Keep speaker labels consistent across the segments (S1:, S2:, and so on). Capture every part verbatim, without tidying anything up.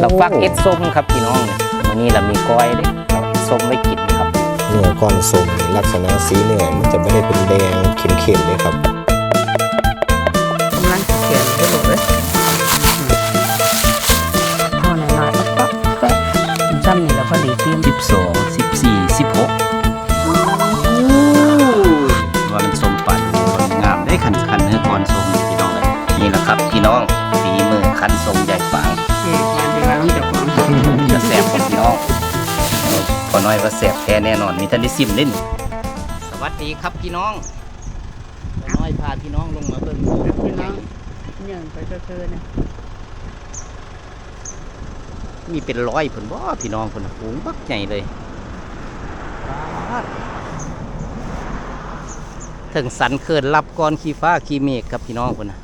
S1: เราฟักเอ็ดส้มครับพี่น้องวันนี้เรามีก้อยด้วยเราเอ็ดส้มไว้กินครับ
S2: เนื้อก้อนส้มลักษณะสีเนื้อมันจะไม่ได้เป็นแดงเข้มๆเลยครับ
S3: กำลังเขียนไปหมดเลยพอหน่อยๆปั๊บปั๊บจำนี่แล้วพอดีทีม
S1: สิบสองสิบสี่สิบหกว่ามันส้มปั่นงามได้ขันขันเนื้อก้อนส้มพี่น้องเลยนี่แหละครับพี่น้องฝีมือขันส้มใหญ่ฝางจะแสบของพี่น้องพอน้อยว่าแสบแท้แน่นอนมีท่านได้ซิมเล่นสวัสดีครับพี่น้องพอน้อยพาพี่น้องลงมาเบิ่ง
S3: พี่น้องเนี่ยไปเจอๆเนี่ย
S1: มีเป็นร้อยผลบ่พี่น้องผลฝูงบักใหญ่เลยถึงสันเขินรับก้อนขี้ฟ้าขี้เมฆครับพี่น้องคนนะ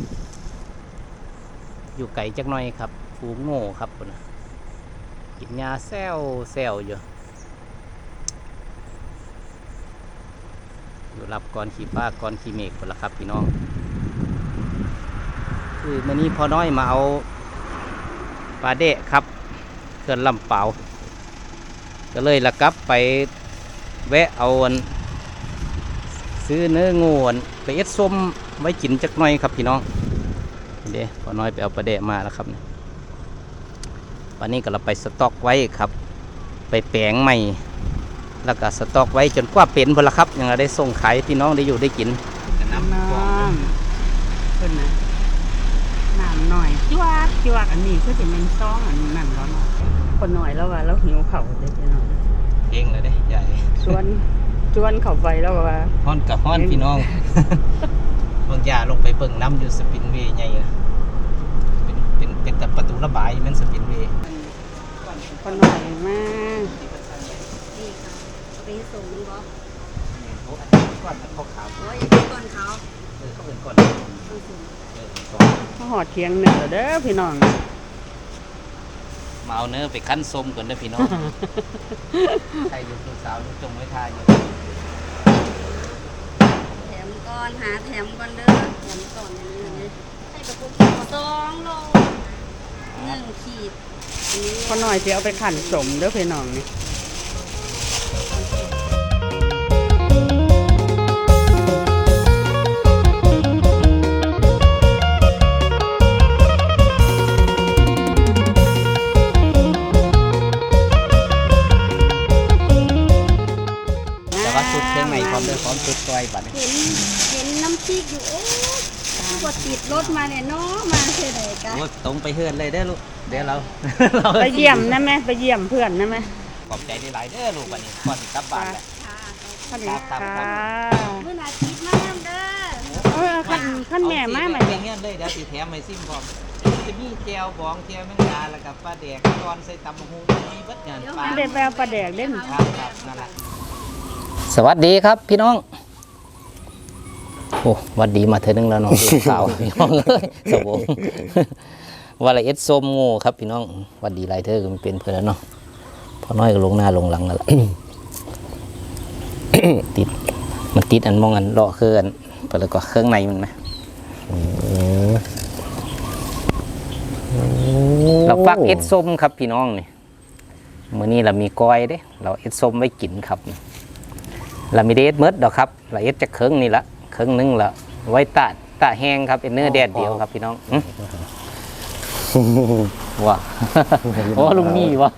S1: อยู่ไกลจักหน่อยครับฝูงโง่ครับคนนะกินยาแซวแซวอยู่อยู่รับก้อนขี้ฟ้าก้อนขี้เมฆคนละครับพี่น้องคือมื่อนี้พอน้อยมาเอาปลาเดะครับเกินลำเปล่าก็เลยละกับไปแวะเอาซื้อเนื้องูไปเอ็ดส้มไว้กินจักหน่อยครับพี่น้องเดี๋ยวพอน้อยไปเอาปลาเดะมาแล้วครับวันนี้ก็เราไปสต็อกไว้ครับไปแปลงใหม่แล้วก็สต็อกไว้จนกว่าเป็นพอละครับยังได้ส่งขายพี่น้องได้อยู่ได้กิน
S3: น้ำขึ้นนะน้ำหน่อยจวกจวกอันนี้ก็จะเป็นซองอันนั่นแล้วเนาะคนหน่อยแล้วว่าเราหิวเข่าเลยพี่น้อง
S1: เองเลยเด้ใหญ่
S3: ชวนชวนเข่าไปแล้วว่า
S1: ฮ้อนกับฮ้อนพี่น้องบางยาลงไปเบิ่งน้ำอยู่สปินเวย์ใหญ่เป็นเป็นเป็นแต่ประตูระบายมันสปินเวย์
S3: คนหน่อยมาก
S4: นี่ค่ะเอาไปให้ส่งมันบอก
S1: โอ้ก้อนเขาขาว
S4: โอ้ยอย่าไปก่อนเขา
S1: เออเขาเป็นก้อน
S3: เขาหอดเทียงเนื้อเด้อพี่น้อง
S1: มาเอาเนื้อไปคั้นส้มก่อนเด้อพี่น้องใครอยู่ลูกสาวลูกจงไว้ทายอยู่
S4: แถมก่อนหาแถมก่อนเด้อแถมก่อนนี่เลยให้ประกุสองโลหนึ่งขีด
S3: คนหน่อยจะเอาไปขั่นสมเด้อพี่น้องนี่
S1: สุดเครื่องในพร้อมด้วยพร้อมสุดก้อยบัดนี้
S4: เห็นเห็นน้ำพริกอยู่โอ้กดติดรถมาเนี่ยเนาะมาเท่าไหร่กัน
S1: ตรงไปเฮือนเลยเด้อลูกเดี๋ยวเรา
S3: ไปเยี่ยมนะแม่ไปเยี่ยมเพื่อนนะแม่
S1: ขอบใจได้หลายเด้อลูกบัดนี้ก่อนกลับบ้านแหละ
S3: ค่ะ
S4: เมื่อนาทีมาเด้อ
S3: เออขั้นขั้นแม่มาใหม่
S1: เงี้ยเลยเดี๋ยวสิแถมไม่ซิมพร้อมจะมีแก้วบองแก้วแมงดาแล้วกับปลาแดกตอนใส่ตำหูมีเบิดงานปลา
S3: เด็ดแววปลาแดกเล่น
S1: ครับครับนั่นแหละสวัสดีครับพี่น้องโอ้วัดดีมาเธอหนึ่งแล้วน้องสาวพี่น้องเลยสวงวาละเอ็ดส้มโง่ครับพี่น้องวัดดีไรเธอก็มันเป็นเพื่อนแล้วเนาะพอน้อยก็ลงหน้าลงหลังแล้วติดมันติดอันมองอันเลาะเครื่องไปแล้วก็เครื่องในมันไหมเราฟักเอ็ดส้มครับพี่น้องนี่มื้อนี้เรามีก้อยเด้เราเอ็ดส้มไว้กินครับเรามีเดชเมิดดอกครับเราเอ็ดจะเครื่องนี่ละเครื่องนึงละไว้ตาตาแห้งครับเป็นเนื้อแดดเดียวครับพี่น้องว้าโอ้ลุงนี่วะ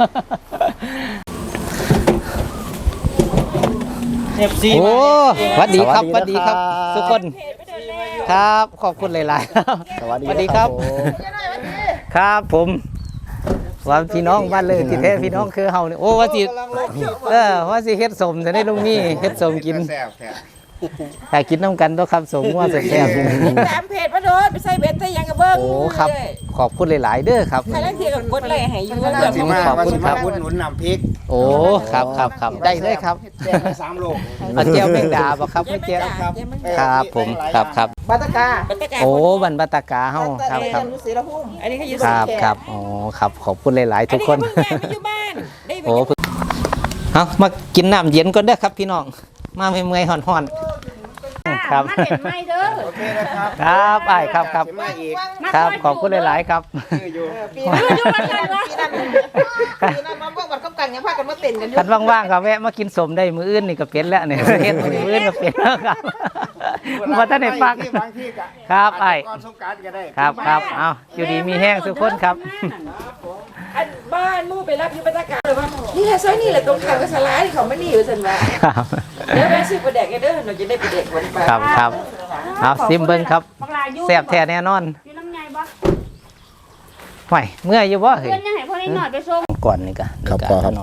S1: โอ้สวัสดีครับสวัสดีครับทุกคนครับขอบคุณหลายๆสวัสดีครับครับผมว่าพี่น้องบ้านเลยที่แท้พี่น้องคือเฮาเนี่ยโอ้ว่าสิเออว่าสิเฮ็ดสมจะได้ลุงนี่เฮ็ดสมกินแต่กินน้ำกันต้องครับสมว่าแซ่บ
S5: ตามเพจมาโดนไปใส่เบ็ดใส่ยังกระเบื้อง
S1: โอ้ครับขอบคุณหลายๆเด้อครับ
S5: ใครเล่นเทียกับกดเลยให้อยู่
S2: ขอบคุณขอบคุณครับหนุนนำพริก
S1: โอ้ครับครับครับได้เลยครับ
S2: แจกสามโล
S1: เอาเจียวแมงดาบ่ครับไม่เจียวครับผมครับครับ
S5: บัตกา
S1: โอ้บันบัตกาเฮาครับครับ
S5: อันนี้เขาอยู่
S1: ครับครับอ๋อครับขอบคุณหลายๆทุกคนโอ้เอามากินน้ำเย็นก่อนเด้อครับพี่น้องมาเมื่อยๆห่อนๆคครับ
S3: มาเห็นไหมเด้อ
S2: โอเคนะครับ
S1: ครับไอ้ายครับครับ
S2: มาอีก
S1: ครับขอบคุณหลายๆครับ
S2: ชื่ออยู่
S5: ปีนั้นปีนั้นปีนั้นมาพวกบัดกำกันยังพากันมาเต้นกันอยู่
S1: คันว่างๆก็แวะมากินสมได้มื้ออื่นนี่ก็เป็นแล้วเนี่ยเฮ็ดมื้ออื่นก็เป็นแล้วครับบ่ทันได้ฟัง
S2: บางที่ก็
S1: ครับไอ้
S2: ก่อนสงกรานต์ก็ได้
S1: ครับครับเอาอยู่ดีมีแห้งทุกคนครับ
S5: อันบ้านมู่ไปรับอยู่บรรยากาศเลยว่านี่แหละซอยนี่แหละตรงข้ามกับสลาที่เขาไม่นี่อยู่สันว่า
S1: ครับ
S5: เดี๋ยวแม่ซื้อปลาแดกให้เด้อหนูจะได้ปลาแดกวันไป
S1: ครับครับเอาซิมเบิ้งครับ
S3: บักลาอยู่
S1: แซ่บแท้แน่นอน
S3: อยู่น้ำใหญ่บ่
S1: ห่วยเมื่อยอยู่บ่เฮ้ย
S3: เพื่อนยังให้พ่อได้หน่อยไปส่ง
S1: ก่อนนี่ก็
S2: ครับ
S1: นี่
S2: พ
S1: ก็
S2: อครับ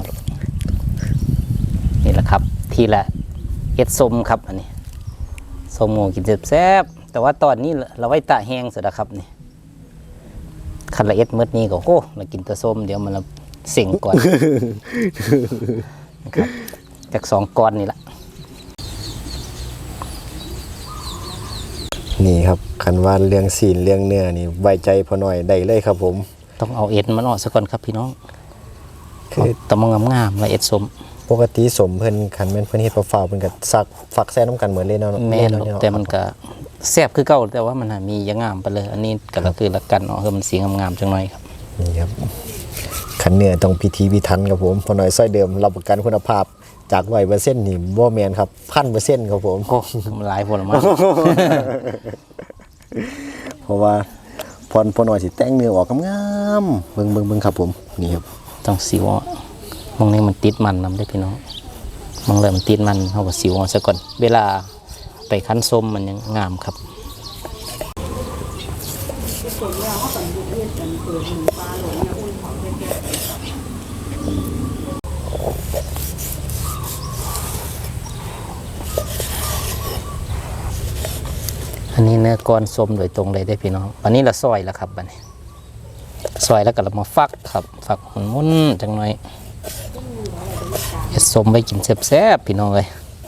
S1: นี่แหละครับ ทีละเฮ็ดส้มครับอันนี้ส้มหมูกินแซ่บๆแต่ว่าตอนนี้เราไว้ตะแห้งเสร็จแล้วครับนี่คันละเอ็ดมื้อนี้ก็โอ้เรากินแต่ส้มเดี๋ยวมันละเสิ่งก่อน นะครับจากสองก้อนนี่ละ
S2: นี่ครับคันว่าเรื่องศีลเรื่องเนื้อนี่ไว้ใจพอหน่อยได้เลยครับผม
S1: ต้องเอาเอ็ดมันออกซะก่อนครับพี่น้อง
S2: คือ
S1: ต้องมางามๆละเอ็ดส้ม
S2: ปกติสมเพิ่นคันแม่นเพิ่นเฮ็ดเปล่าๆเพิ่นก็ซักฝักแซ่น้ำกันเหมือนเลยเนาะ
S1: แม่น
S2: เนาะ
S1: แต่มันก็แซ่บคือเก่าแต่ว่ามันหามีอย่างงามไปเลย อันนี้ก็ละคือละกันเนาะคือมันสีงามๆจังหน่อยครับ
S2: นี่ครับคันเนื้อต้องพิธีพิถันครับผมพอหน่อยซอยเดิมรับประกันคุณภาพจากร้อยเปอร์เซ็นต์นี่บ่แม่นครับพันเปอร์เซ็นต์ครับผม
S1: โอ้มันหลายผลมาก
S2: เพราะว่าพรพอหน่อยสิแต่งเนื้อออกงามๆเบิ่งเบิ่งเบิ่งครับผมนี่ครับ
S1: ต้องสิวอ่ะมองนี้มันติดมันนำได้พี่น้องมองเลยมันติดมันเขาก็สิวอ่ะซะก่อนเวลาไปคั้นส้มมันยังงามครับอันนี้เนื้อก้อนส้มโดยตรงเลยได้พี่น้องอันนี้เราซอยแล้วครับบัดนี้ซอยแล้วก็เรามาฟักครับฟักมันมุนจังหน่อยเฮ็ดส้มไปกินแซ่บๆพี่น้องเลย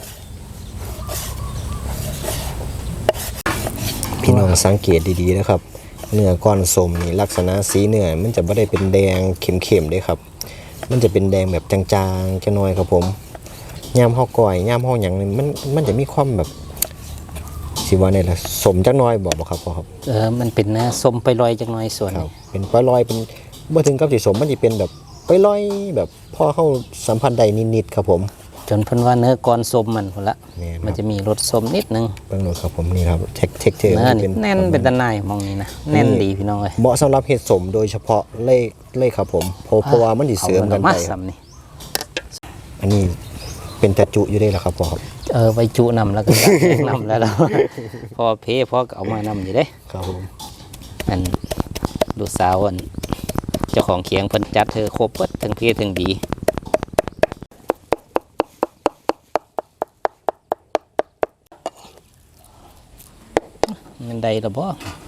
S2: พี่น้องสังเกตดีๆนะครับเนื้อก้อนสมนี่ลักษณะสีเนื้อมันจะไม่ได้เป็นแดงเข้มๆเด้ครับมันจะเป็นแดงแบบจางๆจะน้อยครับผมย่ามห่อก่อยย่ามห่อหยังนี่มันมันจะมีความแบบสิว่าเนี่ยละสมจักหน้อยบอกบ่ครับพ่อครับ
S1: เออมันเป็นเนื้อส้มไปลอยจังหน่อยส่วน
S2: ครับ
S1: นี้
S2: เป็นปลอยลอยเป็นเมื่อถึงกับสีสมมันจะเป็นแบบปลอยลอยแบบพ่อเข้าสัมพันธ์ใดนิดๆครับผม
S1: จนเพิ่นว่าเนื้อก้อนส้มมันพุ่นละ
S2: แม่นครับ
S1: มันจะมีรสส้มนิดนึง
S2: เบิ่งดูครับผมนี่ครับเทคเทคเทอร์
S1: เนื้อ
S2: มัน
S1: นี่
S2: เป็น
S1: แน่นเป็นตะไนายมองนี้นะแน่นดีพี่น้องเลย
S2: เหมาะสำหรับเห็ดสมโดยเฉพาะเล่เล่ครับผมเพราะเพราะว่ามันสิเสริมกัน
S1: อา
S2: ไป
S1: มาซ้ำนี่
S2: อันนี้เป็นตะจุอยู่ได้แล้วครับพ่อครับ
S1: เออไว้จุนำแล้วก็ตักแยกนำแล้วเรา พอเพพอก็เอามานำอยู่เด้
S2: ครับผม
S1: อันลูกสาวอันเจ้าของเขียงเพิ่นจัดเธอครบเบิดทั้งเพทั้งดีมันใดละบ่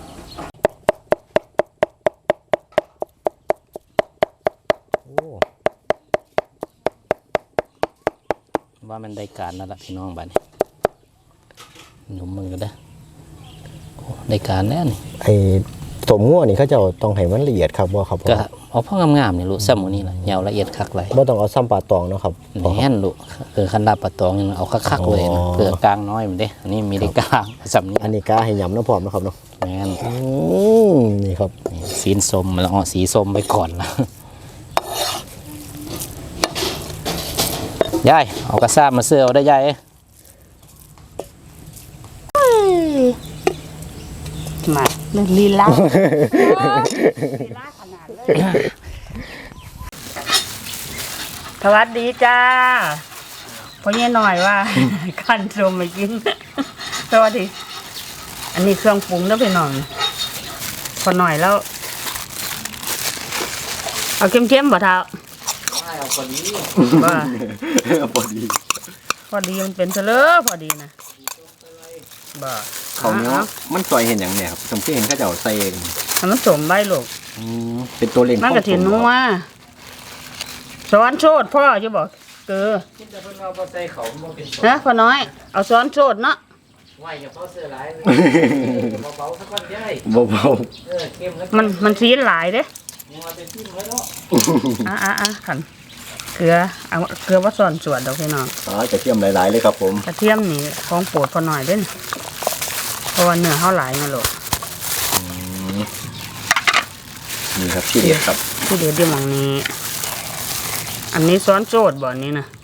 S1: ว่ามันได้การนั่นแหละพี่น้องบ้านนี้หนุ่มมือก็ได้อโอ้ได้การแน่นี่
S2: ไอ้สมงัวนี่เขาจะต้องให้มันละเอียดครับบ่ครับพ่อ
S1: ก็เอาพ่องามๆนี่ลูกซ้ำหมูนี่แหละยาวละเอียดคักเลย
S2: บ่ต้องเอาซ้ำปลาตองเนาะครับพ่อครับ
S1: แน่นลูกเออคันลาบปลาตองนี่เอาคักๆเลย
S2: อ๋
S1: นะ
S2: อ
S1: เปลือกกลางน้อยมันเด้อันนี้มีได้กลางซ้ำนี้
S2: อันนี้กาให้ยำเนาะพร้อมนะครับเนาะ
S1: แม่น
S2: อืมนี่ครับ
S1: นี่สีส้มแล้วเอาสีส้มไปก่อนละยายเอากระซ่ามาเสื้อเอาได้ยายเอ้ย
S3: มาเรื่องลีลาลีลาขนาดเลยสวัสดีจ้าพอเนี้ยหน่อยว่า ขั้นชมมากินสวัสดีอันนี้เครื่องปรุงแล้วไปหน่อยพอหน่อยแล้ว เอาเข้มๆบ่เท้าเอาพอดีพอดีพอดีมันเป็นเสลอพอดีนะบ่
S2: เขาเนาะมันซอยเห็นอย่างเนี่ยครับผมที่เห็นเขาจะเอาใส่เอง
S3: ทำมันสมใบลูก
S2: อืมเป็นตัวเล็ง
S3: มันกระถินนัวซ้อนโชดพ่อจะบอกเกอนะพ่อน้อย เอาซ้อนโชดเนาะ
S1: ไหวอย่าเผาเสื้อหลายเบาๆสักวันยาย
S2: เบา
S1: เออเข้มแล้ว
S3: มันมันซีนหลายเด้
S1: ยังมาเป็นทิ้งไว้เนาะ
S3: อ่ะอ่ะอ่ะขันเกลือเอาเกลือว่าซ้อนสวดดอกพี่น้อง
S2: ๆอ๋อกระเทียมหลายๆเลยครับผม
S3: กระเทียมนี่ของโปรดพ่อน้อยเด้นเพราะว่าเนื้อเขาหลายนะลูก
S2: นี่ครับที่เด็ดครับ
S3: ที่เดี๋ยวเดี๋ยวหมองนี้ อันนี้ซ้อนโจดบ่อนนี้นะ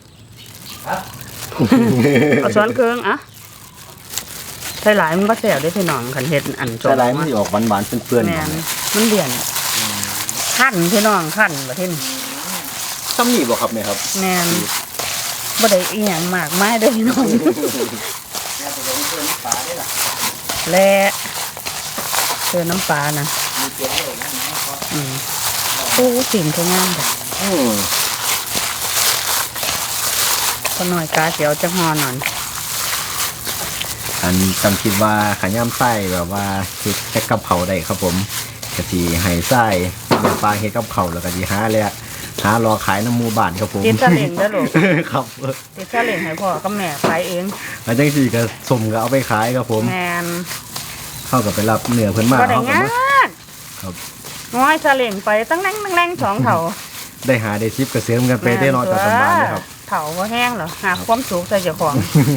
S3: เอาซ้อนเครื่องอะใส่หลายมันก็แสบได้พี่น้องขันเฮ็ดอันโจ
S2: ใส่
S3: ด
S2: ลายมันจะออกหวานๆเปื้อน
S3: แมนมันเดี่ยนขั้นพี่น้องขั้นประเทศ
S2: ๆซ้ำนี่บ่ครับแม่ครับ
S3: แมนบ่ได้อีหยังมากมายเด้อพี่น้องและเจอน้ำปลานะอืมโอ้สิ่งเขางามแบบ
S2: อืม
S3: พอหน่อยกาเสียวจะหอหน่อย
S2: อันจำคิดว่าขย่ำไส้แบบว่าเฮ็ดแค่กับเขาได้ครับผมกะทิไห้ไส้แม่ปลาเฮ็ดกับเขาแล้วก็สิหาเลยหารอขายน้ำหมูบ้านครับผม
S3: ติดซาเล้งเด้อลูก
S2: ครับ
S3: ติดซาเล้งให้พ่อกับแม่ขายเอง
S2: แล้วจังสี่ก็สมก็เอาไปขายครับผม
S3: แมน
S2: เข้ากับไปรับเนื้อเพิ่นมา
S3: ก็ได้
S2: เขาก็
S3: งา
S2: มา
S3: ก
S2: ครับ
S3: ง้อยซาเล้งไปตั้งแรงตั้งแรงสองเถา
S2: ได้หาได้ชิปกระเสียมกันไปได้เนอนจากสบานเลยครับ
S3: เถาก็แห้งเหรอหาความสุขใส่เจ้าของ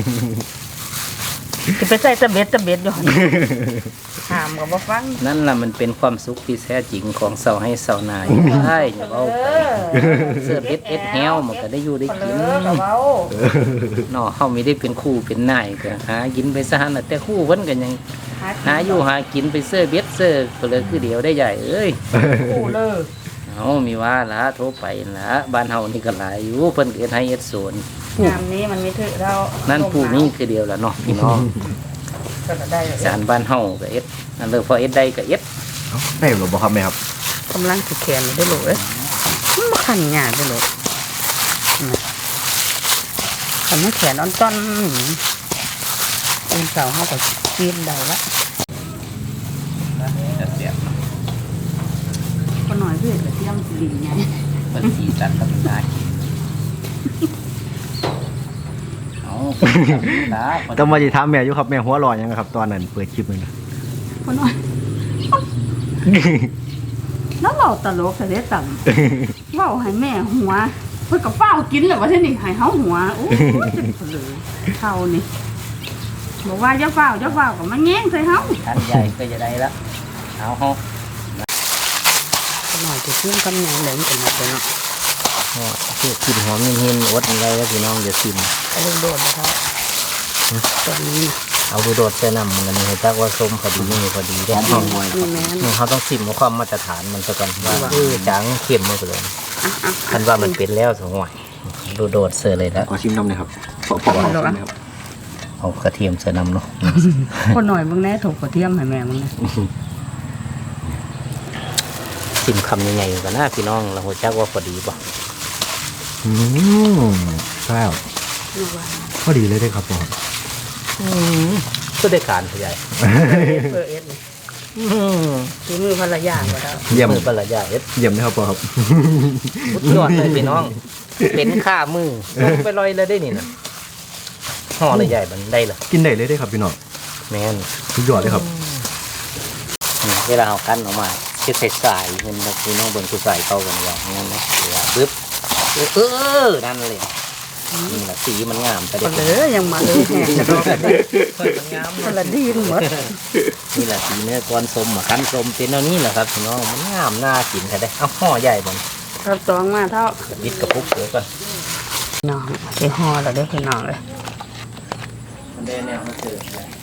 S3: จะไปใส่ตะเบ็ดตะเบ็ดอยู่หั่นหามกับบ่ฟัง
S1: นั่นล่ะมันเป็นความสุขที่แท้จริงของเสาให้เสานาอยู่ใช่อย่าเอาไปเสื้อเบ็ดเอ็ดแฮวมันก็ได้อยู่ได้กิน
S3: เออกับเว้า
S1: เนาะเฮาไม่ได้เป็นคู่เป็นนายก็หากินไปซะหั่นน่ะแต่คู่เพิ่นก็ยังหาอยู่หากินไปเสื้อเบ็ดเสื้อเปลือคือเดียวได้ใหญ่เอ้ย
S3: คู่เลย
S1: เอามีว่าละโทรไปละบ้านเฮานี่ก็หลายอยู่เพิ่นก็เฮ็ดให้เฮ็ดสวน
S3: งามนี้มันมีถือเรา
S1: นั่
S3: นั่
S1: นผู้นี้คือเดียวละเนาะพี่น้อง
S3: ก็ได้
S1: สารบ้านเฮาก็เอ็ดนั่นเลยพอเอ็ดได้ก็เอ็ด
S2: ได้หรือบ่ครับแม่ครับ
S3: กำลังสิแขนได้ลูกเอ้ยมันบ่คันยากได้ลูกคันมันแขนอ่อนต้อนอุ่นเสาเฮาก็กินได้ละก็หน่อยเพื่อนก็เตรียมสิดินไง
S1: มันสีสันก็เป็นได้เอาละ
S2: ต้องมาจิถามแม่อยู่ครับแม่หัวเร้อนยังครับตอนนั้นเปิดคลิปเลยนะ
S3: ก็หน่อยแล้วเราตลกแต่เด็ดต่ำเว้าให้แม่หัวเพิ่นก็เฝ้ากินแล้วว่าเท่านี้ให้เฮาหัวโอ้ยเป็นเผลอเท่านี่บอกว่าอย่าเฝ้าอย่าเฝ้าก็มาแง้งใส่เฮา
S1: ท่านใหญ่ก็จะได้ละเอาเฮา
S3: ก็หน่อยจะเชื่อมกำแหน่งเหลืองกันหมดเลยเนาะ
S1: อ๋อคือกลิ่นหอมหินๆอดอะไรแล้วพี่น้องอย่าซิม
S3: เอาเรื่องโดดนะครับตอนนี้
S1: เอาดูโดดใส่น้ำมันนี่ให้จักว่าส้มพอดีนี่พอดีได้
S3: นี่แม่น
S1: นี่เขาต้องซิมความมาตรฐานมันซะก่อนว่าเออจางเข้มมันก็เลย
S3: อ่ะอ่ะ
S1: คันว่ามันเป็นแล้วสห่วยดูโดดเสือเลยแล้ว
S2: ขอชิมน้ำหน่อยครับขอขอขอชิมหน่อยครับ
S1: เอากระเทียมใส่น้ำเนาะ
S3: คนหน่อยเบิ่งแน่ถูกกระเทียมให้แม่มึงนะ
S1: ซิมคำยังไงกันนะพี่น้องเราหัวจักว่าพอดีป่ะ
S2: อืมใช่พอดีเลยได้ครับผม
S1: ก็ได้การขยาย
S3: เปิดเอ็ดนี่ฝีมือภรรยาก็ได้
S2: เยี่ยม
S1: มือปลาใหญ่เอ็ด
S2: เยี่ยมนะครับพ่อครับ
S1: สุดยอดเลยพี่น้อง เป็นข้ามือลงไปลอยเลยได้นี่นะห่อเลยใหญ่มันได้เลย
S2: กินได้เลยได้ครับพี่น้อง
S1: แม่น
S2: สุดยอดเลยครับ
S1: นี่เวลาเอากั้นออกมาคือใส่สายเงินพี่น้องบนคือใส่เข้ากันอย่างนั้นนะเวลาปึ๊บเออนั่นเลยนี่แหละสีมันงามแต่
S3: ก็
S1: เด็ก
S3: เลยยังมาเลยแห้งจะรอกันได้
S1: มันงาม
S3: คนละดีนหมด
S1: นี่แหละสีเนื้อก้อนส้มอ่ะขั้นส้มเป็นเอานี่แหละครับพี่น้องมันงามน่ากินค่ะได้เอาห่อใหญ่บน
S3: ครับตองมาเท่า
S1: บิดกระปุกเดี๋ยวก่อน
S3: น้องไปห่อแล้วเด้อพี่น้องเลย
S1: มันได้แนวมาเจอ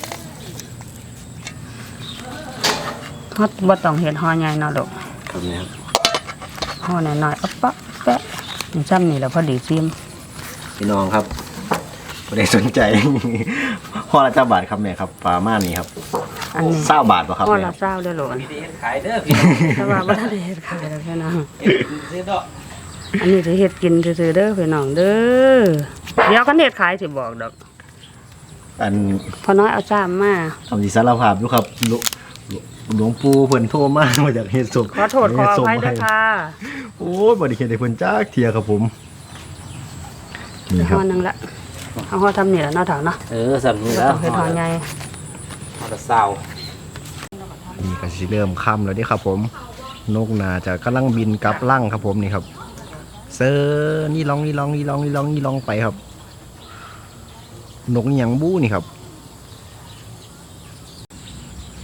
S3: ฮอดบ่ต้องเห็ดห่อใหญ่เนาะลูก
S2: ครับเนี่ยครับ
S3: ห่อน้อยๆอ๊ะปะแปะนี่ซ้ำนี่แหละพอดีซิม
S2: พี่น้องครับไม่ได้สนใจ พ่อละเจ้าบาทครับแม่ครับปลาม่านี่ครับ
S3: อันนี้
S2: เศร้าบาทป่ะครับ
S3: ห่อ
S2: แม่
S3: ละเศร้าเด้อลูก
S1: วิธีขายเด้อพี่น้อง
S3: แต่ว่าบ่ทันได้เฮ็ดขายแล้วพี่น้อง
S1: ซื้อดอก
S3: อันนี้จะเฮ็ดกินซื่อๆเด้อพี่น้องเด้อเดี๋ยวกันเฮ็ดขายสิบอกดอก
S2: อัน
S3: พอน้อยเอาจ้ามมา
S2: ทำสีสารภาพอยู่ครับหลวหลวงปู่เพิ่นโทรมามาจากเฮ็ดศพ
S3: ขอโทษขออภัยด้วยค่ะ
S2: โอ้ยบ่ได้เฮ็ดให้เพิ่นจักเที่ยครับผมนี่ค
S3: ห่
S2: รับ
S3: อหนึงละเอาห่อทำนี่ละเนาะเถาเนาะ
S1: เออสำนี้
S3: บ่
S1: แล้ว
S3: ต้องเฮ็ดห่อใหญ่
S1: ห่อละเศร้า
S2: นี่ก็สิเริ่มค่ำแล้วเด้ครับผมนกน่าจะกำลังบินกลับลั่งครับผมนี่ครับเซอร์นี่ลองนี่ลองนี่ลองนี่ลองนี่ลองไปครับนกอิหยังบู้นี่ครับ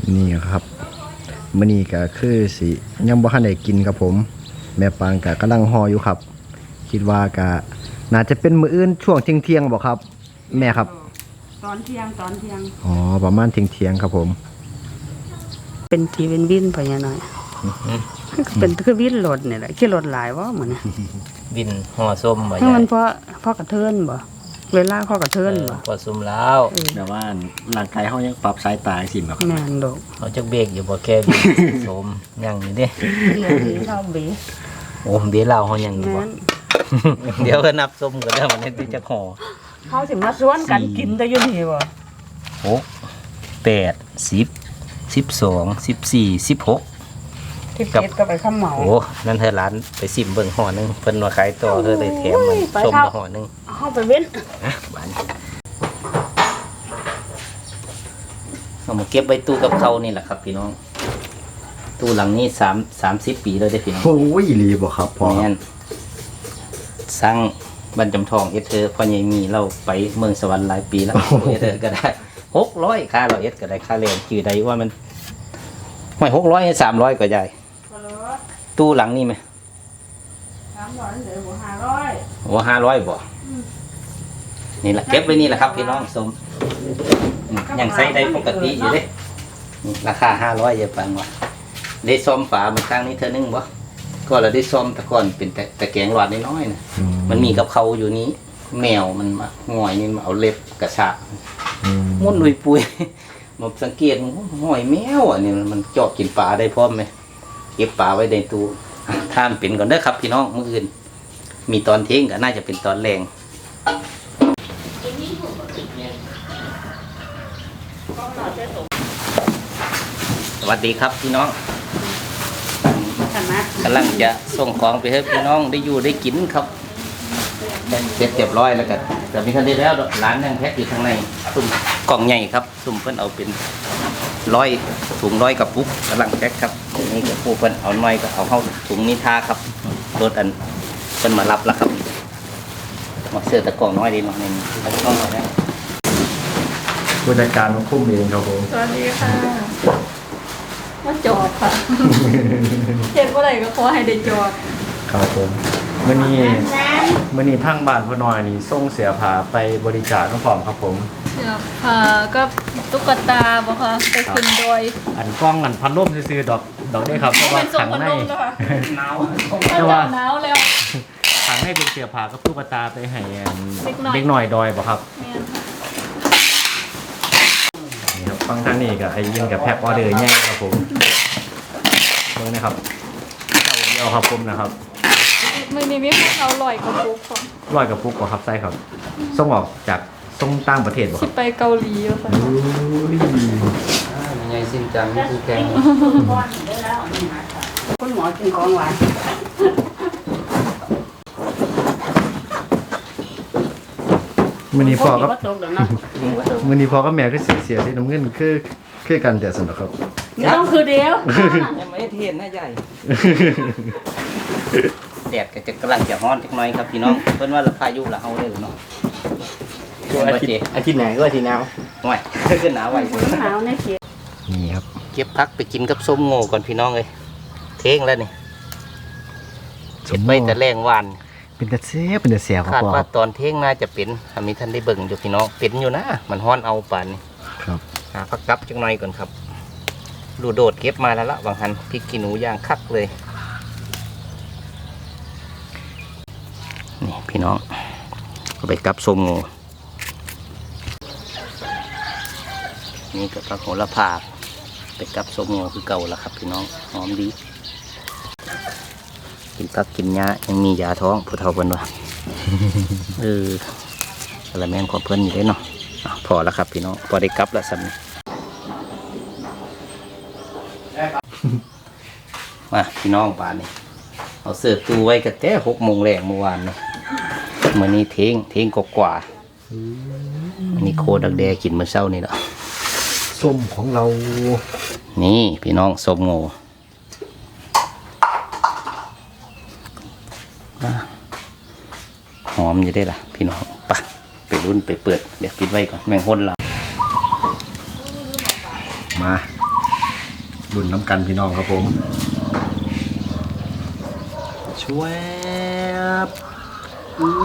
S2: นี่ครับมื้อนี้ก็คือสิยังบ่ทันได้กินครับผมแม่ปางก็กำลังห่ออยู่ครับคิดว่าก็น่าจะเป็นมื้ออื่นช่วงเที่ยงๆบ่ครับ แม่ครับ
S3: ตอนเที่ยงตอนเที่ยง
S2: อ๋อประมาณเที่ยงๆครับผม
S3: เป็นทีเป็นวินพญาน้อยเป็นคือวินรถนี่แหละขี่รถหลายว่าเหมือน
S1: บินห่อส้มบ่
S3: ถ้า
S1: ใหญ่
S3: มันเพราะเพราะกระเทินบ่เวลาเพราะกระเทินบ่
S1: พอซุ่มแล้ว
S2: แต่ว่าร่างกายเฮายังปรับสายตาสิบ่ครับ
S3: แม่นดอก
S1: เขาจักเบรกอยู่บ่แค่บินส้มยังอยู่เด้
S3: เดี๋ยวนี้เข้าบี
S1: โอ้เดี๋ยวเราเฮายังอยู่บ่
S3: แม่น
S1: เดี๋ยวก็นับส้มก็ได้วันนี้ที่จะห่อ
S3: เขาสิมาสวนกันกินแต่อยู่นี่บ่
S1: หกแปดสิบสิบสองสิบสี่สิบหก
S3: ที่เป็ดก็ไปข้ามเหมา
S1: โอ้นั่นเธอร้านไปซิมเบิ่งห่อหนึงเพิ่นว่าขายต่อเธอเลยแถมมัน
S3: โอ้ยไป
S1: ส้ม
S3: เท่า
S1: มาห่อหนึง
S3: เข้าไปเว้น
S1: นะบ้านเอามาเก็บไว้ตู้กับเขาวนี่แหละครับพี่น้องตู้หลังนี้สามสามสิบปีแล้วได้อพี่น้อง
S2: โอ้ยอีหลีบ่ครับพ่อ
S1: แม่นสร้างบรรจำทองเอสเธอพ่อใหญ่มีเราไปเมืองสวรรค์หลายปีแล้วเอสเธอก็ได้หกร้อยค่าเราเอสก็ได้ค่าเรียนจื่อใดว่ามันไม่หกร้อยสามร้อยก็ได้ตู้หลังนี่ไหม
S3: สามร้อยเหลือหัวห้าร้อย
S1: โอ้ห้าร้อยบ่นี่แหละเก็บไว้นี่แหละครับพี่น้องสมอืมยังใช้ได้ปกติอยู่เด้นี่ราคาห้าร้อยอย่าฟังว่าได้ซ่อมฝามันครั้งนี้เธอนึงบ่ก็เราได้ซ่อมตะกอนเป็นแต่แต่แกงหลอดน้อยๆนะ
S2: อื
S1: มันมีกับเขาอยู่นี้ แมวมันมาง่อยนี่มาเอาเล็บกระชาก
S2: อืม
S1: มุ่นลุยปุย มาสังเกตง่อยแมวอ่ะนี่มันเจาะกินปลาได้พร้อมไหมเก็บปลาไว้ในตู้ท่านเป็นก่อนเด้อครับพี่น้องมื้ออื่น มีตอนเที่ยงก็น่าจะเป็นตอนแรงสวัสดีครับพี่น้อง
S3: ชนะ
S1: กำลังจะส่งของไปให้พี่น้องได้อยู่ได้กินครับเสร็จเรียบร้อยแล้วกันแต่มีทันได้แล้วร้านยังแพ็คอยู่ข้างในซุ่มกล่องใหญ่ครับซุ่มเพิ่นเอาเป็นร้อยถุงร้อยกับปุ๊กกำลังแพ็คครับนี่ก็ผู้เพิ่นเอาน้อยก็เอาเข้าถุงนิทาครับรถอันเพิ่นมารับแล้วครับมาเสื้อตะกล่องน้อยดีหน่อยหนึงเอาตะกล่องน้อยนะ
S2: ผู้จัดการมาคุ้มเองครับผม
S4: สวัสดีค่ะว่าจอดค่ะ เห็นว่าไหนก็ขอให้ได้จอด
S2: ครับผมมื้อนี้มื้อนี้ทางบ้านพ่อน้อยนี่ส่งเสียผาไปบริจาคน้ำพร้อมครับผม
S4: เดี๋ยวค่ะก็ตุ๊กตาบ่ค่ะไปขึ้นโดย
S2: อันกล้องอันพัดลมซื้อๆดอกดอกได้ครับเพราะว่า
S4: เป็นส่ง
S2: ขัง
S4: พัด
S2: ใน
S4: ลมแล้วค่ะ
S1: หนาว
S2: แต่ว่า
S4: หนาวแล้ว
S2: ขังในเป็นเสียผากับตุ๊กตาไปให้อัน
S4: เด็กน้อย
S2: เด็กหน่อยดอยบ่ครับ
S4: แม่นค่ะ
S2: นี่ครับฟังทางนี้กับไอ้ยินกับแพ็คออเดอร์ใหญ่ครับผมเบิ่งนะครับเจ้าเดียวครับผมนะครับ
S4: มือนี้มีคนเอาลอยกระปุกค่ะ
S2: ร้อยกับปุ๊กบ่ครับไส้ครับส่งออกจากส่งต่างประเทศบ่ค
S4: สิ
S2: รับ
S4: ไปเกาหลีแล้วค่ะ
S1: ยังไงสิ้นจังนี่คือแกง
S3: คุณหมอกินของหวาน
S2: มื้อนี้พ่อกับ
S3: บ่ตกดอกเนาะ
S2: มื้อนี้พ่อกับแม่คือเสียเสียที่น้ำเงินคือคือกันแต่สนุกครับ
S3: ไม่ต้องคือเดียว
S1: ยังไม่เทียนนะใหญ่ แดดก็จะกำลังจะร้อนจักหน่อยครับพี่น้องเพิ่นว่าละพายุละเฮาเลยเนาะช่วยอาทิตย์
S2: อาทิตย์ไหนก็อาทิตย์หนาว
S1: ห่วยขึ้นหนาวไว้
S3: หนาวในเขีย
S2: นี่ครับ
S1: เก็บพักไปกินกับส้มโง่ก่อนพี่น้องเอ้ยเท่งแล้วนี่เก็บไว้แต่แรงวาน
S2: เป็นแต่เสียเป็นแต่เสียครับ
S1: คาด
S2: พ่อค
S1: ว่า
S2: รับ
S1: ตอนเท่งน่าจะเป็นถ้ามีท่านได้เบิ่งอยู่พี่น้องเป็นอยู่นะมันฮ้อนเอาป่านนี้
S2: ครับ
S1: หาพักกับจักหน่อยก่อนครับดูโดดเก็บมาแล้วละบางหันพริกขี้หนูย่างคักเลยนี่พี่น้องก็ไปกับส้มโง่นี่ก็ผักโหระพาไปกับส้มโง่คือเก่าแล้วครับพี่น้องหอมดีกินผักกินหญ้ายังมียาท้องผู้เฒ่าเพิ่นว่า เอออะไรแม่นของเพิ่นอยู่ได้เนาะอ่ะพอแล้วครับพี่น้องพอได้กลับแล้วสัน มาพี่น้องบ้านนี่เอาเสื้อตู้ไว้กันแต่หกโมงแรงเมื่อวานนี่มื่อนี้เทงเทงกว่าๆอันนี้โคดักแดกินเมื่อเช้านี่แหละ
S2: ส้มของเรา
S1: นี่พี่น้องส้มโง่อ่ะหอมอยู่ได้ล่ะ พี่น้องไปไปรุ่นไปเปิดเดี๋ยวปิดไว้ก่อนแมงห้นเรา
S2: มารุ่นน้ำกันพี่น้องครับผมช่วยอู้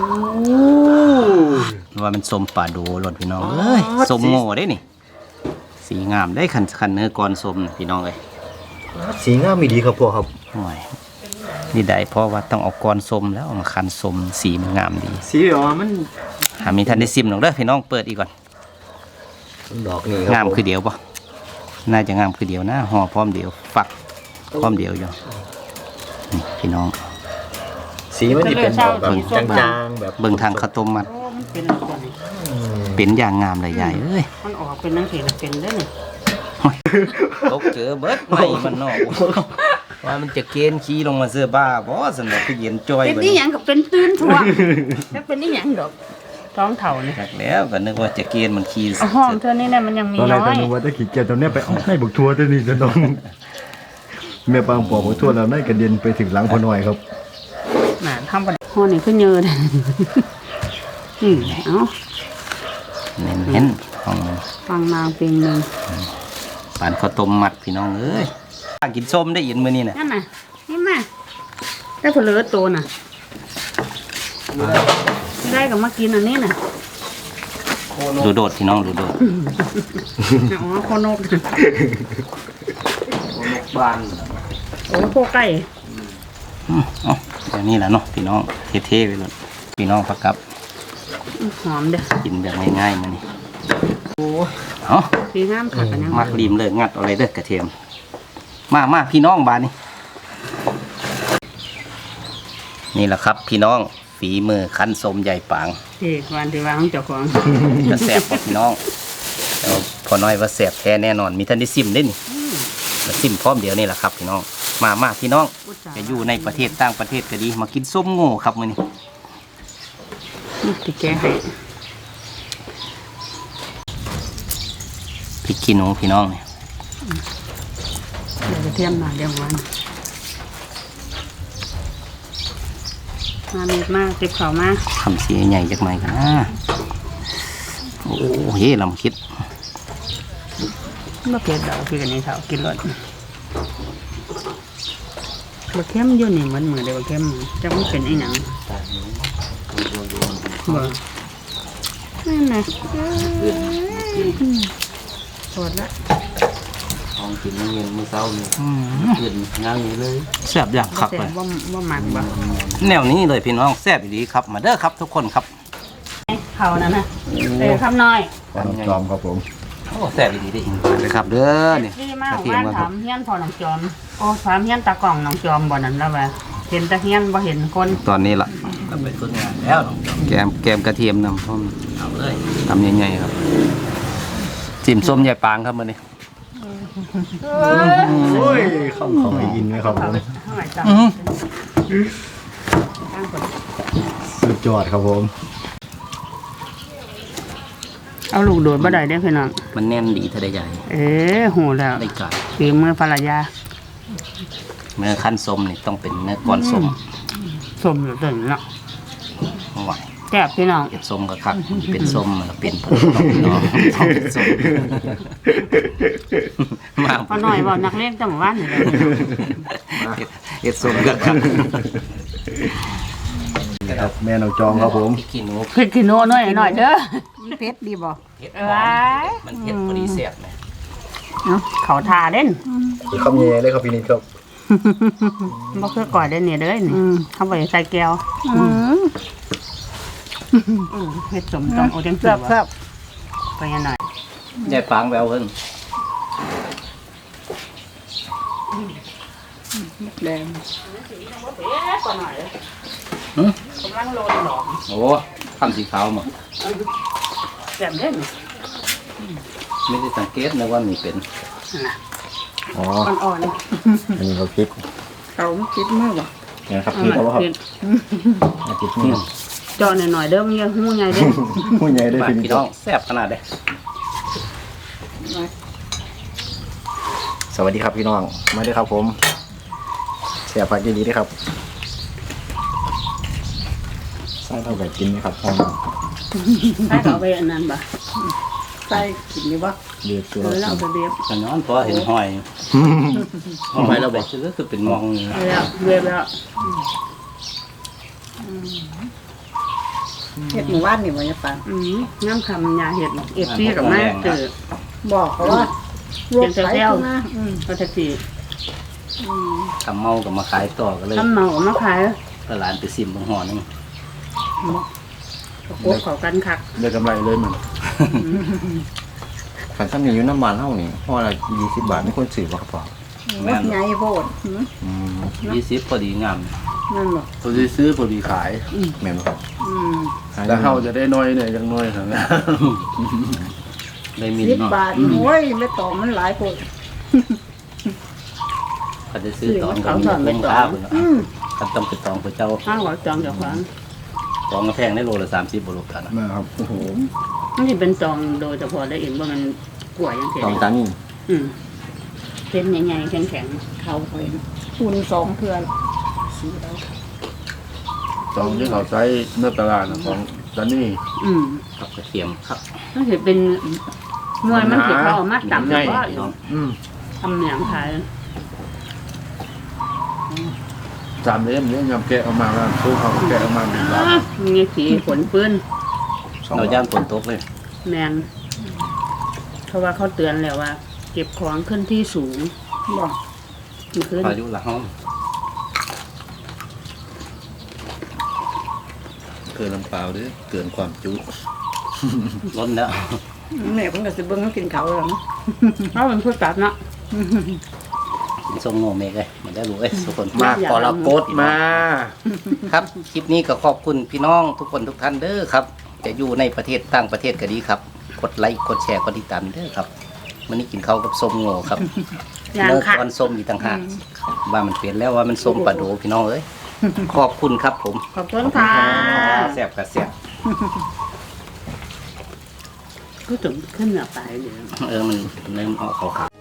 S1: ว่ามันสมป่าดูรถพี่น้องเอ้ยสมโง่ได้นี่สีงามได้คันคันเนื้อก่อนสมน่ะพี่น้องเอ้ย
S2: สีงามมีดีครับพ่อครับ
S1: โอ้ยนี่ได้เพราะว่าต้องเอาก้อนสมแล้วเอามาคันสมสีมันงามดี
S2: สีแบบว่ามัน
S1: หามีทันได้ซิมหรอกเด้อพี่น้องเปิดอีกก่อน
S2: ดอกนี่
S1: งามคือเดียวปะน่าจะงามคือเดียวนะห่อพร้อมเดียวฝักพร้อมเดียวอยู่นี่พี่น้อง
S2: สีมันจะเป็นแบบจางๆแบบ
S1: เบิ่งทางข้าวต้มมัด
S3: โอ้มันเป็นอะไรนี่
S1: เป็นอย่างงามเลยใหญ่เอ้ย
S3: มันออกเป็นนังสีเป็นได้นี่
S1: ตกเจอเบิดไม่มันนอกว่ามันจะเกณฑ์ขี้ลงมาเสื้อบ้าบ่สนุกคือเย็นจอย
S3: เป็น
S1: บัด
S3: นี่
S1: นี้
S3: หยังกับเป็นตื้นทั่วแล้วเป็นนี่หยังดอกท้องเถ่านี่
S1: จากแล้วก็นึกว่าจะเกณฑ์มันขี้
S3: เอาห้องเธอนี่เนี่ยมันยังมี
S6: ตอนแร
S3: น้
S6: กต
S3: อ
S6: อน
S3: ย
S6: นึกว่าตะขี้เกียจตอนเนี้ยไปเอาให้บักทัวร์ตัวนี้จะน้องแม่ปางปอกบักทัวร์แล้วนั่นกระเด็นไปถึงหลังพอหน่อยครับ
S3: น่ะทำประห้องนี่ขึ้นเยอะเลยอืมเอ้า
S1: เน้นเห็นของ
S3: ฟังนางเพลงหนึ่ง
S1: ปานข้าวต้มมัดพี่น้องเอ้ยกินส้มได้ยินมื้อนี้น่ะ
S3: นั่นน่ะนี่มาได้ผลเลือตัวน่ะไม่ได้ก็มากินอันนี้น่ะ
S1: ดูโดดพี่น้องดูโดด
S3: อ๋อโคนก
S1: บ้าน
S3: โอ้โคไก่
S1: อ๋อเดี๋ยวนี้แหละเนาะพี่น้องเท่ๆไปเลยพี่น้องพักกับ
S3: หอมเด้อ
S1: กินแบบง่ายๆมานี่เอา
S3: สีห้ามขัดกันยัง
S1: มักริมเลยงัดเอะไรเด้อกระเทียมมามาพี่น้องบานนี่นี่แหละครับพี่น้องฝีมือคั้นสมใหญ่ปาง
S3: เอกวันที่วางเจ้าของ
S1: จะแสบกว่าพี่น้องแต่ว่าพอน้อยว่าแสบแท้แน่นอนมีท่านได้ซิมได้นี่มาซิมพร้อมเดี๋ยวนี่แหละครับพี่น้องมามาพี่น้องจะอยู่ในประเทศต่างประเทศก็ดีมากินส้มโง่ครับมื้อนี้
S3: ที่แกให้
S1: พริกขี้หนูพี่น้องเนี่ย
S3: เดี๋ยวจะเทียมมาเดี๋ยววันมาเม็ดมากเก็บเขามาก
S1: ทำเสียใหญ่จักหน่อยกันนะโอ้เฮ้ลำคิด
S3: มาเผ็ดดอกคือกันนี่เถากินรสบะเข้มอยู่นี่เหมือนมือเดียวบะเข้มจะไม่เป็นไอ้หนังบ่นั่นน่ะสดละ
S1: ของกินเงินมื้อเช้านี่ขึ้นงานนี้เลยแซ่บอย่างคัก
S3: แต่
S1: เลย
S3: ว่าว่ามันบ่
S1: แนวนี้เลยพี่น้องแซ่บดีครับมาเด้อครับทุกคนครับ
S3: เขานั่นน่ะเออคำน้อย
S6: ปางจอมครับผม
S1: โอ้แซ่บดีดีเลยครับเด้อนี่
S3: ดีมาก
S1: กระเทียม
S3: บ้าน
S1: ครั
S3: ถา
S1: บ
S3: มเฮียนพอหนองจอมโอ้ถามเฮียนตากล่องหนองจอมบ่นั่นแล้วว่าเห็นตะเฮียนบ่เห็นคน
S1: ตอนนี้ล่ะก็ไปฝึกงานแล้วแกมแกมกระเทียมนำพร้อมเอาเลยทำยังไงครับจิ้มส้มใหญ่ปางครับมื้อนี้
S6: โอ้ยเข้าเขาไม่อินไหมครับผม
S3: เท่าไหร่จ้ะตั้งคน
S6: สุดยอดครับผม
S3: เอาลูกโดดบ่ได้เด้อพี่น้อง
S1: มันแน่นดีถ้าได้ใหญ่
S3: เอ๊ะโหแล้ว
S1: ได้กาด
S3: ฝีมือภรรยา
S1: เนื้อขั้นส้มนี่ต้องเป็นเนื้อก้อนส้ม
S3: สมอยู่ตึงเนาะ
S1: ไหว
S3: แซ่บพี่น้อง
S1: เก็บส้มก็คักเป็นส้มมันก็เป็นผลพี่น้องต้องเป็นส้มมา
S3: พอหน่อยบ่นักเล่นจังหวัดนี่แหละ
S1: เก็บส้มก็คัก
S6: นี่ครับแม่น้องจอมครับผม
S1: พริกขี้หนู
S3: พริกขี้หนูหน่อยหน่อยเด้อมันเผ็ดดีบ่
S1: เผ็ด
S3: เอ้
S1: หอม
S3: ย
S1: มันเผ็ดพอดีแซ่บนะ
S3: เนาะเขาทาเด่น
S6: คำเย่เลยครับพี่นิดครับ
S3: บ่คือก่อยได้เนี่ยเด้อนี่เขาบ่ได้ใส่แก้วอืมเฮ็ดสมต้องเอาจังซี่บ่ไปยังหน่อย
S1: ใหญ่ปางแววเพิ่น
S3: แดง
S1: หืม
S3: กำลังโลนหลอม
S1: โอ้คำสีขาวหมด
S3: แซ่บเด่น
S1: ไม่ได้สังเกตนะว่ามีเป็น
S3: น่ะ
S6: อ๋อ
S3: อ่อน
S6: อันนี้เขาพริก
S3: ๆเขาคิดมากบ่
S6: เนี่ยครับพริกเขาครับพริกนี่
S3: เจาะหน่อยๆเด้อมันยังหูใหญ่เด้อ
S6: ผู้ใหญ่ได้
S1: บ้าน
S6: พี่นิด
S1: พี่
S6: ค
S1: น้
S6: รั
S1: อบ งแซ่บขนาดเด้
S6: สวัสดีครับพี่น้องมาด้วยครับผมเสียผักดีๆด้วยครับใส่เท่ากับกินไหมครับพ่อ
S3: ใส่เขาไปอันนั้นบ่ใส่กินนี่บ่
S6: เดือดตัว
S3: เออแล้วเอาไปเบียบ
S1: ขนอนพอเห็นหอยเอาไปแล้วบอกก็คือเป็นมองนี่นะ
S3: แล้วเรียบแล้ว
S5: เฮ็ดหมู่บ้านนี่บ่ยะปาง
S3: อืมน้ำคำยาเห็ดเอฟซีกับแม่เกิด
S5: บอกเขาว่า
S3: เสียงเซลล์
S5: นะอืม
S3: ก็แท็กซี่
S1: ทำเมากับมาขายต่อก็เลย
S3: ทำเมามาขาย
S1: ตลาดไปซิมบางห่อนึง
S3: โคกเขากันคัก
S6: ได้กำไรเลยมัน
S2: ขันซ้ำนี่อยู่น้ำมันเท่านี่ห่อละยี่สิบบาทไม่ควรซื้อบ่ครับพ่อ
S1: แม่น
S5: ใหญ่โพดหืม
S2: อืม
S1: ยี่สิบพอดีงาม
S3: นั่นหรอ
S7: พอดีซื้อพอดีขาย
S2: แม่นบ่ครับ
S3: อืม
S7: แล้วเฮาจะได้น้อยเนี่ยยังน้อยครับ
S1: ได้มี
S5: สิบ
S1: เนาะ
S5: บาทโอ้ยไม่ต่อมันหลายโพด
S1: เขาจะซื้อตองกับมีเงินค่าเพิ่นเนาะคันต้องไปตองพระเจ้า
S3: ห้างหวังจองเจ้าของ
S1: ตองกระแพงได้โลละสามสิบบาทกันนะ
S6: แม่ครับโอ้โห
S3: มันจะเป็นจองโดยเฉพาะได้เห็นว่ามันกล้วยยังเสีย
S2: ตองตานี่
S3: อืมเป็นใหญ่ๆแข็ง
S5: เขาไปทุนสองเทือนสีแล้ว
S7: ตองที่เขาใช้เนื้อตลาดน่ะของตอนนี้
S3: ๆอืม
S1: ครับกระเทียมครับ
S3: มันจะเป็นหน่วยมันสิเขาเอามาต่ำ
S7: ใหญ่
S3: ก็
S1: เนาะ
S6: อืม
S3: ทำเหนียงขาย
S7: สามเล่มเนี่ยยำแกะออกมาแล้วสู้เขาแกะออกมาเป็นล
S3: มีสีขนปืน
S1: เราย่านฝนตกเลย
S3: แมนเพราะว่าเขาเตือนแล้วว่า เก็บของขึ้นที่สูง
S5: บอก
S3: มันขึ้น
S1: พายุละห้อง
S7: เกินลำเปล่าหรือเกินความจุ
S1: ล้นแล้ว
S5: แม่เพิ่นก็สิเบิ่งเขากินเขาวแล้วนะ
S3: เพราะมันพูดตัดเนาะ
S1: กินส้มโง่เมกเลยมันได้รู้เอ้ยทุกคน
S7: มากกรกฎมา
S1: ครับ คลิปนี้ก็ขอบคุณพี่น้องทุกคนทุกท่านเด้อครับ จะอยู่ในประเทศต่างประเทศก็ดีครับ กดไลค์กดแชร์กดติดตามเด้อครับวันนี้กินข้าวกับส้มโง่ครับ
S3: อย่าง
S1: เลิก
S3: ค่ะ
S1: วันส้มอีกต่างหากว่ามันเปลี่ยนแล้วว่ามันส้มปลาโดพี่น้องเอ้ยขอบคุณครับผม
S3: ขอบคุณค่ะ
S1: แซ่บกับแซ่บ
S3: ก็ถึงขึ้นเหนือไปเลย
S1: เออมันเริ่มเอาขาวๆ